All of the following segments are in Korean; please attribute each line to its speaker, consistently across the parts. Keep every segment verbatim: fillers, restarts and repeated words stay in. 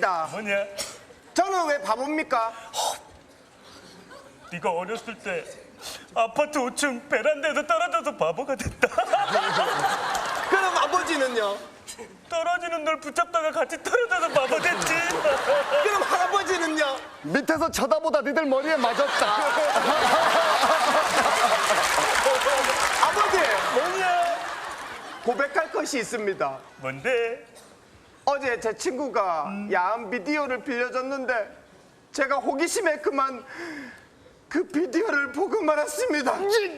Speaker 1: 묻겠습니다.
Speaker 2: 뭐냐?
Speaker 1: 저는 왜 바보입니까?
Speaker 2: 네가 어렸을 때 아파트 오 층 베란다에서 떨어져서 바보가 됐다.
Speaker 1: 그럼 아버지는요?
Speaker 2: 떨어지는 널 붙잡다가 같이 떨어져서 바보 됐지.
Speaker 1: 그럼 할아버지는요?
Speaker 3: 밑에서 쳐다보다 니들 머리에 맞았다.
Speaker 1: 아버지,
Speaker 2: 뭐냐?
Speaker 1: 고백할 것이 있습니다.
Speaker 2: 뭔데?
Speaker 1: 어제 제 친구가
Speaker 2: 음.
Speaker 1: 야한 비디오를 빌려줬는데 제가 호기심에 그만 그 비디오를 보고 말았습니다.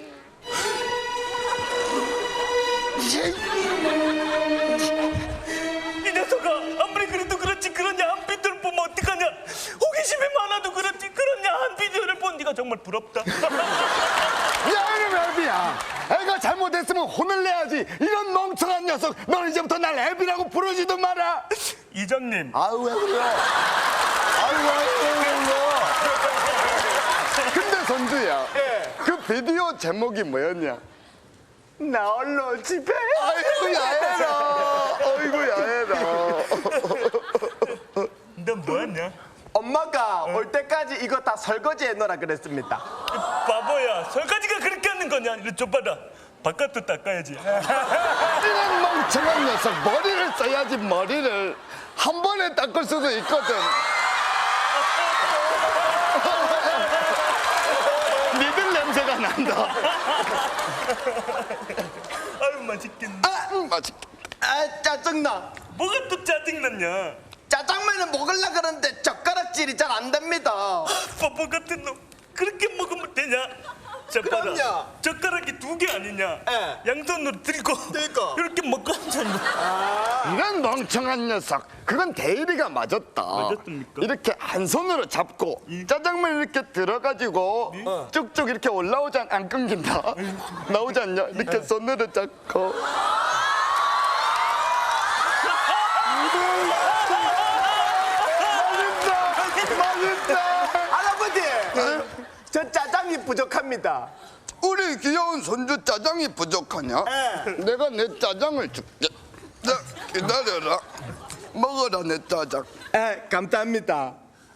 Speaker 2: 이 녀석아, 아무리 그래도 그렇지 그런 야한 비디오를 보면 어떡하냐? 호기심이 많아도 그렇지 그런 야한 비디오를 본 네가 정말 부럽다.
Speaker 3: 야, 이놈 애비야. 애가 잘못했으면 혼을 내야지. 이런 멍청한 녀석. 너는 이제부터 날 애비라고 부르지도 마라.
Speaker 2: 이장님,
Speaker 3: 아유, 왜 그래요? 아유, 왜 그래요? 근데 선주야,
Speaker 1: 예.
Speaker 3: 그 비디오 제목이 뭐였냐?
Speaker 1: 나 얼른 집에.
Speaker 3: 아이고, 야해라. 아이고, 야해라.
Speaker 2: 너 뭐하냐?
Speaker 1: 엄마가 올 때까지 이거 다 설거지해 놓으라 그랬습니다.
Speaker 2: 바보야, 설거지가 그렇게 하는 거냐? 이리 줘봐라. 바깥도 닦아야지.
Speaker 3: 이런 멍청한 녀석. 머리를 써야지, 머리를. 한 번에 닦을 수도 있거든. 니들 냄새가 난다.
Speaker 2: 아유 맛있겠네.
Speaker 3: 아, 음, 맛있겠다.
Speaker 1: 아, 짜증나.
Speaker 2: 뭐가 또 짜증났냐?
Speaker 1: 짜장면을 먹으려고 그러는데 젓가락질이 잘 안 됩니다.
Speaker 2: 바보 같은 놈. 그렇게 먹으면 되냐? 자, 봐라.
Speaker 1: 그럼요.
Speaker 2: 젓가락이 두 개 아니냐?
Speaker 1: 예.
Speaker 2: 양손으로 들고
Speaker 1: 들고.
Speaker 2: 이렇게 먹고 앉았네.
Speaker 3: 이런 멍청한 녀석. 그건 대일이가 맞았다.
Speaker 2: 맞았습니까?
Speaker 3: 이렇게 한 손으로 잡고 짜장면 이렇게 들어가지고 쭉쭉 이렇게 올라오지 않, 안 끊긴다. 나오지 않냐? 이렇게 손으로 잡고. 맛있다. 맛있다.
Speaker 1: 할아버지, 저 짜장이 부족합니다.
Speaker 3: 우리 귀여운 손주 짜장이 부족하냐? 내가 내 짜장을 줄게. 자, 기다려라. 먹어라, 내 짜장.
Speaker 1: 에, 감사합니다.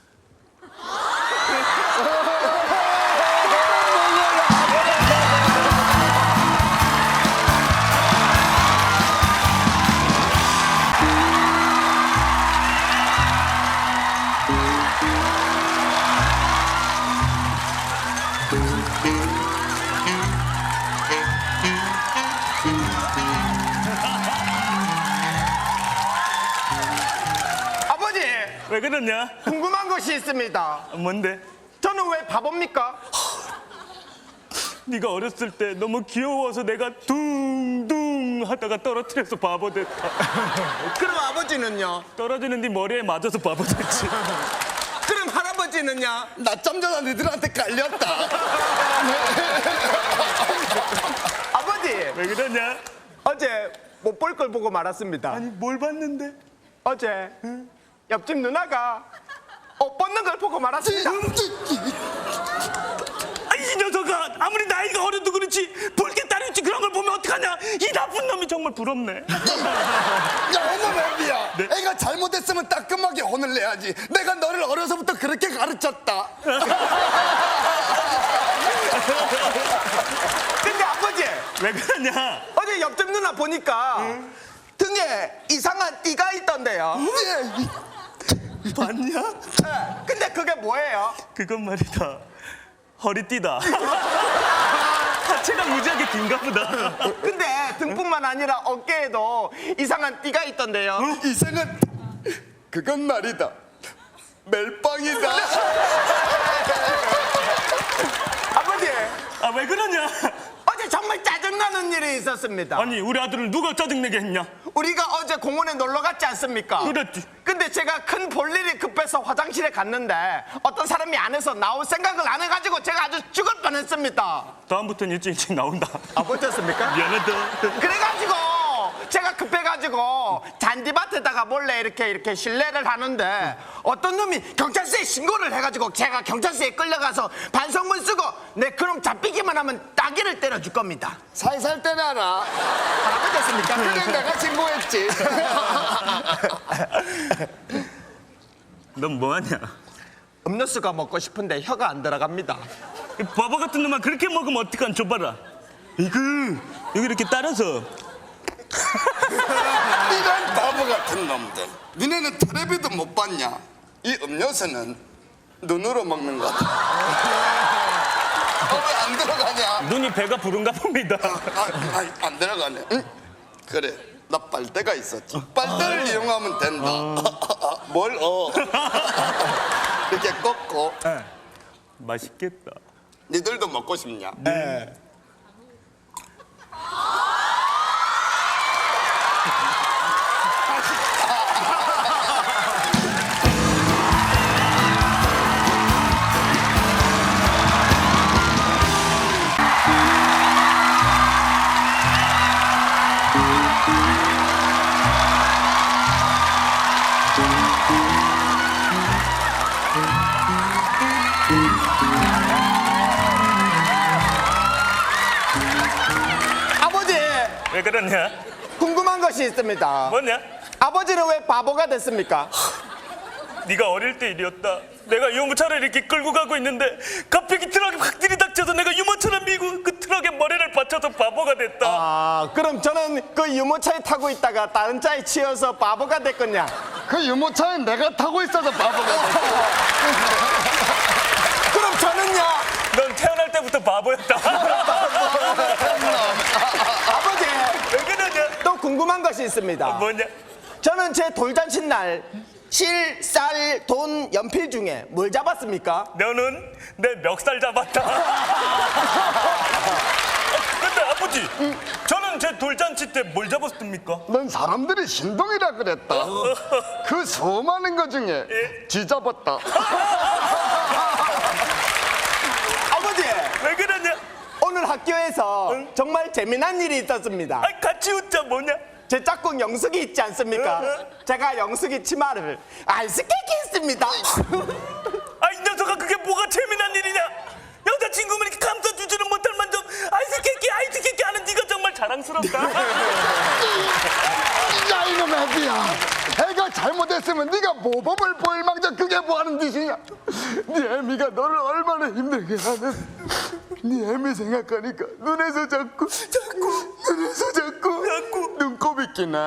Speaker 1: 아버지,
Speaker 2: 왜 그러냐?
Speaker 1: 궁금한 것이 있습니다.
Speaker 2: 뭔데?
Speaker 1: 저는 왜 바보입니까?
Speaker 2: 네가 어렸을 때 너무 귀여워서 내가 둥둥 하다가 떨어뜨려서 바보 됐다.
Speaker 1: 그럼 아버지는요?
Speaker 2: 떨어지는 네 머리에 맞아서 바보 됐지.
Speaker 1: 그럼 할아버지는요?
Speaker 3: 낮잠 자다 니들한테 깔렸다.
Speaker 1: 아버지,
Speaker 2: 왜 그러냐?
Speaker 1: 어제 못 볼 걸 보고 말았습니다.
Speaker 2: 아니 뭘 봤는데?
Speaker 1: 어제 옆집 누나가 옷 벗는 걸 보고 말았습니다.
Speaker 2: 아, 이 녀석아, 아무리 나이가 어려도 그렇지 볼게 따르지 그런 걸 보면 어떡하냐? 이 나쁜 놈이 정말 부럽네.
Speaker 3: 야, 어머, 애비야.
Speaker 2: 네?
Speaker 3: 애가 잘못했으면 따끔하게 혼을 내야지. 내가 너를 어려서부터 그렇게 가르쳤다.
Speaker 1: 근데 아버지,
Speaker 2: 왜 그러냐?
Speaker 1: 어제 옆집 누나 보니까 등에 이상한 띠가 있던데요.
Speaker 2: 봤냐?
Speaker 1: 네, 근데 그게 뭐예요?
Speaker 2: 그건 말이다, 허리띠다. 하체가 무지하게 긴가 보다.
Speaker 1: 근데 등뿐만 아니라 어깨에도 이상한 띠가 있던데요.
Speaker 3: 이상한. 그건 말이다. 멜빵이다.
Speaker 1: 아버지,
Speaker 2: 아, 왜 그러냐?
Speaker 1: 어제 정말 짜증나는 일이 있었습니다.
Speaker 2: 아니 우리 아들을 누가 짜증내게 했냐?
Speaker 1: 우리가 어제 공원에 놀러 갔지 않습니까?
Speaker 2: 그랬지.
Speaker 1: 근데 제가 큰 볼일이 급해서 화장실에 갔는데 어떤 사람이 안에서 나올 생각을 안 해가지고 제가 아주 죽을 뻔했습니다.
Speaker 2: 다음부터는 일찍 일찍 나온다.
Speaker 1: 아, 못했습니까?
Speaker 2: 미안하다.
Speaker 1: 그래가지고 제가 급해가지고 잔디밭에다가 몰래 이렇게 이렇게 실례를 하는데 어떤 놈이 경찰서에 신고를 해가지고 제가 경찰서에 끌려가서 반성문 쓰고 내 그놈 잡히기만 하면 따기를 때려줄 겁니다.
Speaker 3: 살살 때려라.
Speaker 1: 잘못했습니까?
Speaker 3: 그래, 내가 신고했지.
Speaker 2: 넌 뭐하냐?
Speaker 1: 음료수가 먹고 싶은데 혀가 안 들어갑니다.
Speaker 2: 이 바보 같은 놈아 그렇게 먹으면 어떡한 줘봐라. 이거 여기 이렇게 따라서.
Speaker 3: 이런 바보 같은 놈들. 니네는 텔레비도 못 봤냐? 이 음료수는 눈으로 먹는 거다. 어, 왜 안 들어가냐?
Speaker 2: 눈이 배가 부른가 봅니다.
Speaker 3: 아, 아, 안 들어가네. 응? 그래, 나 빨대가 있었지. 빨대를 이용하면 된다. 뭘 어? 이렇게 꺾고.
Speaker 2: 맛있겠다.
Speaker 3: 니들도 먹고 싶냐?
Speaker 1: 네. 아버지,
Speaker 2: 왜 그러냐?
Speaker 1: 궁금한 것이 있습니다.
Speaker 2: 뭐냐?
Speaker 1: 아버지는 왜 바보가 됐습니까?
Speaker 2: 네가 어릴 때 일이었다. 내가 유모차를 이렇게 끌고 가고 있는데 갑자기 트럭이 확 들이닥쳐서 내가 유모차를 밀고 그 트럭에 머리를 받쳐서 바보가 됐다.
Speaker 1: 아, 그럼 저는 그 유모차에 타고 있다가 다른 차에 치여서 바보가 됐겠냐?
Speaker 3: 그 유모차에 내가 타고 있어서 바보가 됐어.
Speaker 1: 그럼 저는요?
Speaker 2: 넌 태어날 때부터 바보였다.
Speaker 1: 아버지,
Speaker 2: 왜 그러냐?
Speaker 1: 또 궁금한 것이 있습니다.
Speaker 2: 뭐냐?
Speaker 1: 저는 제 돌잔치 날 실, 쌀, 돈, 연필 중에 뭘 잡았습니까?
Speaker 2: 너는 내 멱살 잡았다. 어, 근데 아버지, 저는 제 돌잔치 때 뭘 잡았습니까?
Speaker 3: 넌 사람들이 신동이라 그랬다. 그 수많은 것 중에 쥐 잡았다.
Speaker 1: 아버지,
Speaker 2: 왜 그러냐?
Speaker 1: 오늘 학교에서 정말 재미난 일이 있었습니다.
Speaker 2: 아, 같이 웃자 뭐냐?
Speaker 1: 제 짝꿍 영숙이 있지 않습니까? 제가 영숙이 치마를 아이스케이크 했습니다.
Speaker 2: 아, 이 녀석아 그게 뭐가 재미난 일이냐? 여자친구면 이렇게 감싸주지는 못할 만큼 아이스케이크 아이스케이크 하는 네가 정말 자랑스럽다.
Speaker 3: 야 이놈 애기야. 애가 잘못했으면 네가 모범을 보일 망정 그게 뭐하는 짓이냐. 네 애미가 너를 얼마나 힘들게 하는. 네 애미 생각하니까 눈에서 자꾸 자꾸 눈에서 자꾸
Speaker 2: 자꾸
Speaker 3: 눈곱이 끼나.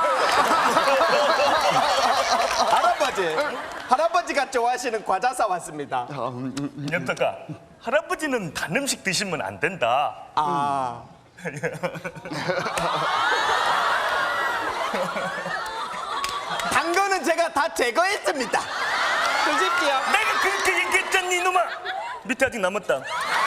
Speaker 1: 할아버지, 할아버지가 좋아하시는 과자 사왔습니다.
Speaker 2: 이 녀석아, 할아버지는 단 음식 드시면 안 된다.
Speaker 1: 아, 단 거는 제가 다 제거했습니다. 드십시오.
Speaker 2: 내가 그렇게 얘기했잖니 이놈아. 밑에 아직 남았다.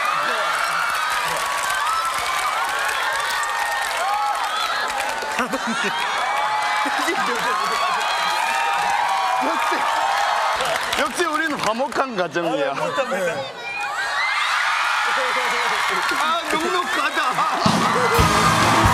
Speaker 3: 역시 역시 우리는 화목한 가정이야.
Speaker 2: 못합니다.
Speaker 3: 아 눅눅하다.